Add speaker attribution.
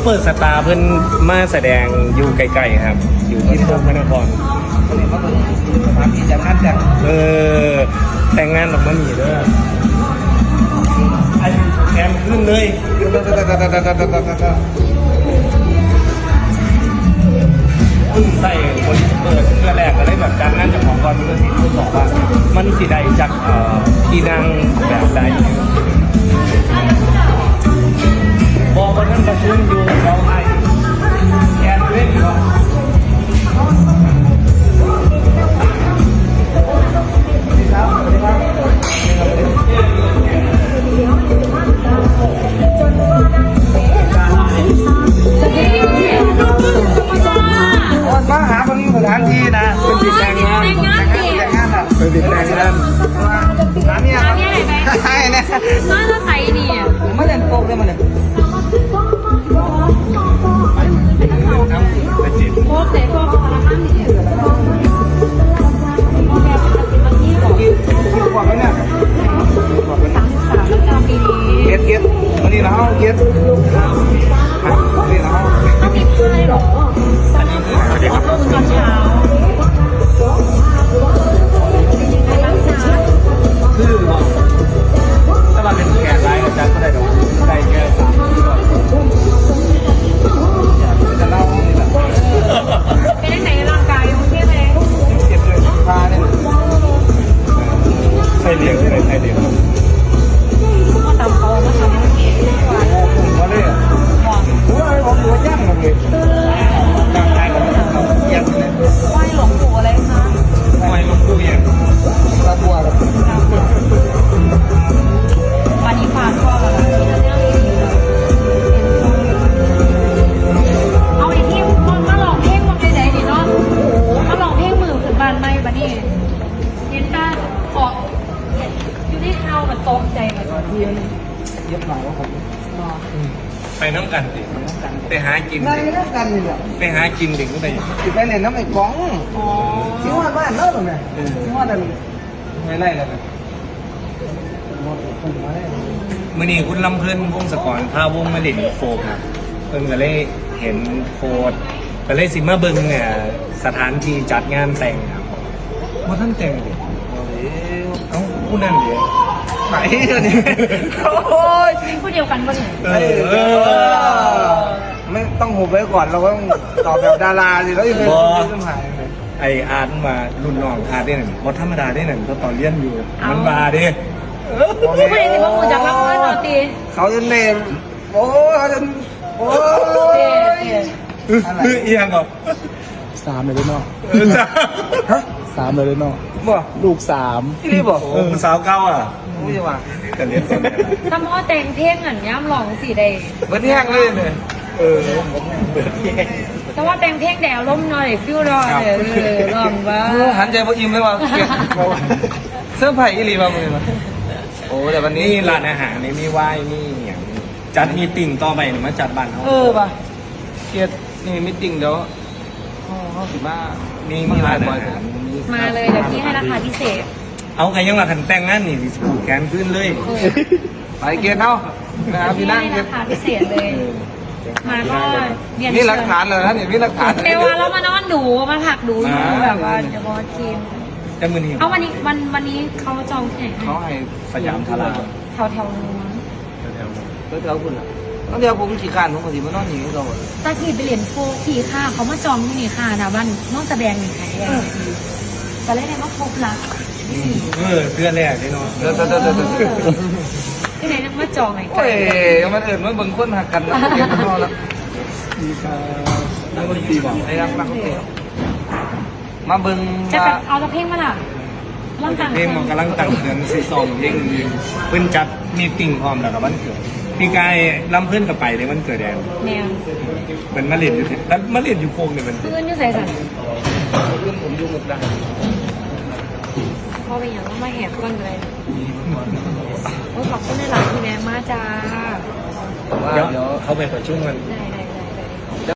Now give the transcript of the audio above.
Speaker 1: เปอร์สตาร์เพิ่นมาแสดงอยู่ไกลๆครับ อยู่ที่โพพระนคร
Speaker 2: คนนี้มาเป็นสถานที่จัดงานแต่ง
Speaker 1: แต่งงานออกมาหนีเด้อไอ้แกมขึ้นเลยใส่คนเปิดเพื่อแรกก็ได้แบบการนั่นจากของก่อนเพื่อที่พูดบอกว่ามันสีใดจากที่นั่งแบบใดบอกว่าท่านประชุมอยู่เราไอ้แกนเล่นอยู่
Speaker 2: มาหาคนสถานที่นะเป็นติดแต่งงานอ่ะเป็นติดแต่งงานร้านนี้ครับใช่เนี่ย
Speaker 3: น่าจะใส่นี่
Speaker 2: ไม่เล่นโป๊กเลยมันเลย
Speaker 3: โคตรเลยพวกพลังงานนี่
Speaker 2: กินกว่าไหมเนี่ย
Speaker 3: 33จำปีนี้
Speaker 2: เก็ตวันนี้เราเก็ตนี่เรา
Speaker 3: ต้องมีพายหรอตอนเช้า
Speaker 1: คือถ้าเราเป็นแขกไลน์อาจารย์ก็ได้ดอกได้แค่
Speaker 2: จะเล่านี่แหละ
Speaker 3: เป็นไหนร่างกายโอเคไหม
Speaker 2: เก็บเลยพาเนี่ย
Speaker 1: ใส่เลี้ยงที่ไหนใส่เลี้ยง
Speaker 3: มาตำเขามาทำให้กินกว่า
Speaker 2: มาเลยอ่ะผมดูย่างหมดเลยร่างกายผมย่างเลย
Speaker 3: ไหว้หลวงปู่อะไรคะ
Speaker 1: ทำไมลงตู้เย็น
Speaker 2: ตาบัวแบบ
Speaker 3: วันนี้ฝากพ่อแล้วที่จะเรื่องนี้เอาไอ้ที่มาลองเพลงมาไปไหนดีเนาะมาลองเพลงมือถึงบ้านไม่บัดนี้เห็นป้าขออยู่ที่เท้ามันตกใจเหมือนกัน
Speaker 2: เย็บหน่อยว่าผม
Speaker 1: ไปน้ำกันดิไปหากิน
Speaker 2: ในนักกันนี่แหละ
Speaker 1: ไปหากินเด็กก็ไป
Speaker 2: ติดไปเล่นน้ำไอ้ก้อง
Speaker 3: อ๋อ
Speaker 2: ที่ว่าบ้านเล่าตรงไหนที่ว่าดันไม่ไล่กันหมดคนมาได้
Speaker 1: มื่อนี้คุณลำเพิ่นวงศกรพาวงมาเล่นโฟกครับเพิ่นก็เลยเห็นโพสต์ก็เลยสิมาเบิ่งเนี่ยสถานที่จัดงานแต่งครับว่าท่านแต่งดิเอ้าผู้นั่นเดี๋ยว
Speaker 2: ไหนเนี่ยโอ้ย
Speaker 3: นี่พูดเดียวกันปะเนี่ย
Speaker 2: ไม่ต้องหุบไว้ก่อนเราก็ต้องตอบแบบดาราสิแล้วยังไงต้องหาย
Speaker 1: ไออาร์ตมารุ่นน้องอาร์ตได้หนึ่งว่าธรรมดาได้หนึ่งก็ตอนเรียนอยู่มันมาเด้
Speaker 3: พูดไปสิว่ามูจากรับเงินเอาตี
Speaker 2: เขาจะเนมโอ้เขาจะโอ้ย
Speaker 1: เอียงเหรอ
Speaker 4: 3เลยเนาะ
Speaker 1: ฮะ
Speaker 4: 3เลยเนาะ
Speaker 2: บ่
Speaker 4: ลูก3
Speaker 2: ที่นี่บ่
Speaker 1: โอ้สาวเก้าอ่ะ
Speaker 2: โอ้ยว่า
Speaker 1: กันเรียนตอนไหน
Speaker 3: ถ้าพ่อแต่งเพลงอันย่ำลองสีใด
Speaker 2: เบิร์ดแห้งเลยเนี่ย
Speaker 1: เปิดแยก
Speaker 3: แต่ว่าแต่งเพลงแดวล้มหน่อยฟิวรอลองว่า
Speaker 2: หันใจพออิ่มเลยว่าเสื้อผ้าอีหลีมาเลยมาโอ้แต่วันนี้
Speaker 1: นี่ร้านอาหารนี่มีไหว้มีอย่างจัดมีติ่งต่อไปมาจัดบ้านเขา
Speaker 2: ป่ะเกียรตินี่มิติ้งเดี๋ยวเขาสิมา
Speaker 1: มีร้านอาหาร
Speaker 3: มาเลยเดี๋ยวพี่ให้ราคาพิเศษ
Speaker 1: เอาใครยังมาขันแต่งงานนี่ผูกแขนขึ้นเลย
Speaker 2: ไปเกียรติเขานะครับ
Speaker 3: พี่
Speaker 2: พี่นั่ง
Speaker 3: ให้
Speaker 2: เกียร
Speaker 3: รา
Speaker 2: ติ
Speaker 3: คาพิเศษเลย มาก็เรียน
Speaker 2: นี่หลักฐานเลยนะนี่มีหลักฐาน
Speaker 3: เดี๋ยวเรามานอนดูมาผักดูแบบว่าจะบอสกิน
Speaker 1: แต่มือนี้
Speaker 3: เอาวันนี้เขาจองที่ไหน
Speaker 2: เขาให้
Speaker 1: สยามพารา
Speaker 3: แถวนู้น
Speaker 2: แถวคุณอ่ะต้องเดี๋ยวผมขี่การผมก็สิมานอนอยู่เรา
Speaker 3: ตาขี่ไปเหรียญโฟขี่ค่าเขามาจองที่นี่ค่ะนะบ้านนอกจากแบงนี่ค่ะแต่เล่นในมาพบละ
Speaker 1: เพื่อนแรกเลยเนาะ
Speaker 2: เดี๋ยว
Speaker 3: ที่ไหนมาจองไหน
Speaker 2: โอ้ยมันเอิญมันเบิ่งคนหักกันนะเกียรติเขาแล้ว
Speaker 1: นั่งก็ดีบอก
Speaker 2: ไอ้รักรักเตี้ยมาเบิ่ง
Speaker 3: จะ
Speaker 2: ว่า
Speaker 3: เอาตะเพ่งมาล่ะร่างกาย
Speaker 1: เพลงมันกำลังตั้งเดือนซีซองเพลงเพิ่นจัดมีติ่งพร้อมแล้วกับวันเกิดพี่กายลำเพื่อนกับไปเลยวันเกิดแดง
Speaker 3: แนว
Speaker 1: มันมาเล่นอยู่แล้วมาเล่นอยู่โฟงเนี่ยมัน
Speaker 3: เพื่อนอยู่ใส่สัน
Speaker 2: เรื่องผมยุ่งหมดดัง
Speaker 3: พอไปอย่างต้องมาแหกก้อนเลยโอ้ขอบคุณในหลายที่แม่มาจ้า
Speaker 2: ว่า
Speaker 1: เดี๋ยว
Speaker 2: เดี๋ยว
Speaker 1: เขาไปประชุมกัน
Speaker 3: ได้